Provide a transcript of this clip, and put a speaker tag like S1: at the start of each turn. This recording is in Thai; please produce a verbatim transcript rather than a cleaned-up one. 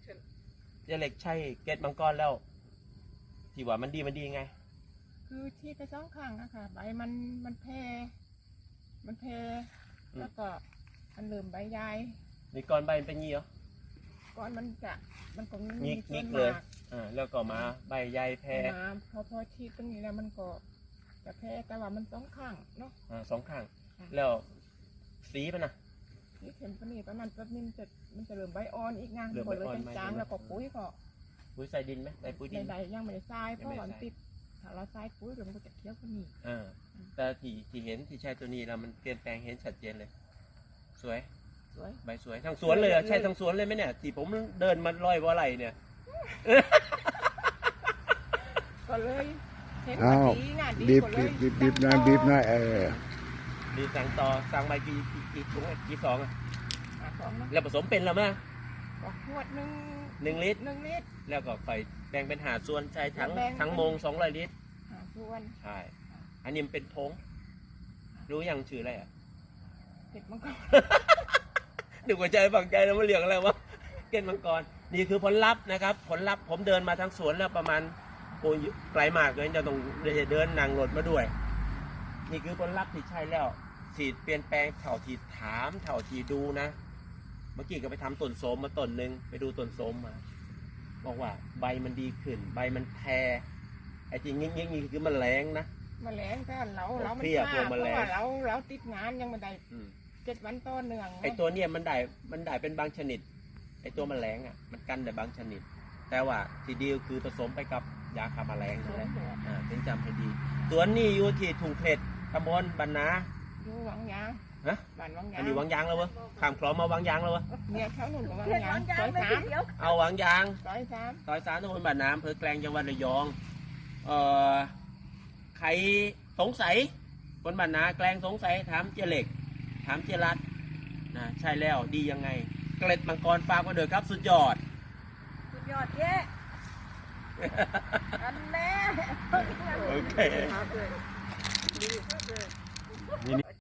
S1: เจเล็กใช่เกตมังกรแล้วที่ว่ามันดีมันดีไง
S2: คือที่ไปสองข้างนะคะใบมันมันแพร่มันแพร่แล้วก็มันเริ่มใบใหญ่
S1: มีก้อนใบเป็นงี้เหรอ
S2: ก้อนมันจะมันก็
S1: งิกงิกเลย อ่า แล้วก็มาใบใหญ่แพร่
S2: มาพอพอชีดตรงนี้แล้วมันก็จะแพร่แต่ว่ามันสองข้างเนาะ
S1: อ่าสองข้างแล้วสีมันนะ
S2: นี่เข็มปนีประมาณแป๊บนึงจะมันจะเริ่มใบอ่อนอีกงานหมดเลยจางๆแล้วก็ปุ๋ยก็
S1: ปุ๋ยใส่ดินไหมใส่ปุ๋ยดิน
S2: ใดๆยังไม่ได้ทรายเพราะว่าติดถ้าเราทรายปุ๋ยเดี๋ยวมันก็จะเคี้ยวขึ้นนี่
S1: อ่าแต่ที่ที่เห็นที่ใช้ตัวนี้แล้วมันเปลี่ยนแปลงเห็นชัดเจนเลยสวย
S2: สวย
S1: ใบสวยทั้งสวนเลยอ่ะใช่ทั้งสวนเลยไหมเนี่ยที่ผมเดินมาลอยว่าไรเนี่ย
S2: ก็เลยเห็นดีงานดี
S3: บีบบีบบีบบีบหน่อยบีบหน่อยเออ
S1: ดีสั่งต่อสั่งใบกี่กี่ถุงกี่สองอ่ะ
S2: สองนะ
S1: แล้วผสมเป็นแล้วมั้ย
S2: ก็ขวดหนึ่ง
S1: หนึ่งลิตร
S2: หนึ่งลิตร
S1: แล้วก็ค่อยแบ่งเป็นหาส่วนใช้ทั้งทั้งโมงสองร้อยลิตร
S2: หาส่วน
S1: ใช่อันนี้มันเป็นทงรู้ยังชื่ออะไรอ่ะ
S2: เก็ดมังกร
S1: หนึ่งหัวใจฝังใจแล้วมันเรียกอะไรวะเก็ดมังกรนี่คือผลลัพธ์นะครับผลลัพธ์ผมเดินมาทั้งสวนแล้วประมาณโอ้ยไกลมากเลยจะต้องเดินนั่งรถมาด้วยนี่คือผลลัพธ์ที่ใช่แล้วสีเปลี่ยนแปลงเท่าที่ถามเท่าที่ดูนะเมื่อกี้ก็ไปทำต้นโสมมาต้นหนึ่งไปดูต้นโสมมาบอกว่าใบมันดีขึ้นใบมันแพรไอ้ที่งี้งี้นี่คือมันแรงนะ
S2: มันแรงแต่เราเรามันช้าเพราะว่าเราเราติดงานยังไม่ได้เจ็ดวันต่อเนื่อง
S1: ไอ้ตัวเนี้ยมันได้มันได้เป็นบางชนิดไอ้ตัวแมลงอ่ะมันกันได้บางชนิดแต่ว่าที่ดีคือผสมไปกับยาฆ่าแมลงใช่ไหมอ่าถึงจำให้ดีสวนนี้อยู่ที่ทุ่งเพชรตำบลบันนา
S2: อยู่วังยาง
S1: ฮะ
S2: บ้านวังยาง
S1: อันนี้วังยางแล้ววะข้ามคลองมาวังยางแล้ววะ
S2: เนี่ยแถวนู้นกับวังยางซอยสาม
S1: เอาวังยาง
S2: ซอยสาม
S1: ซอยสามตำบลบันนาอำเภอแกลงจังหวัดระยองเอ่อใครสงสัยคนบันนาแกลงสงสัยถามเจเล็กถามเจรัตนะใช่แล้วดียังไงเกล็ดมังกรฝากมาเด้อครับสุดยอด
S2: สุดยอดเย้อันแน่
S1: โอเค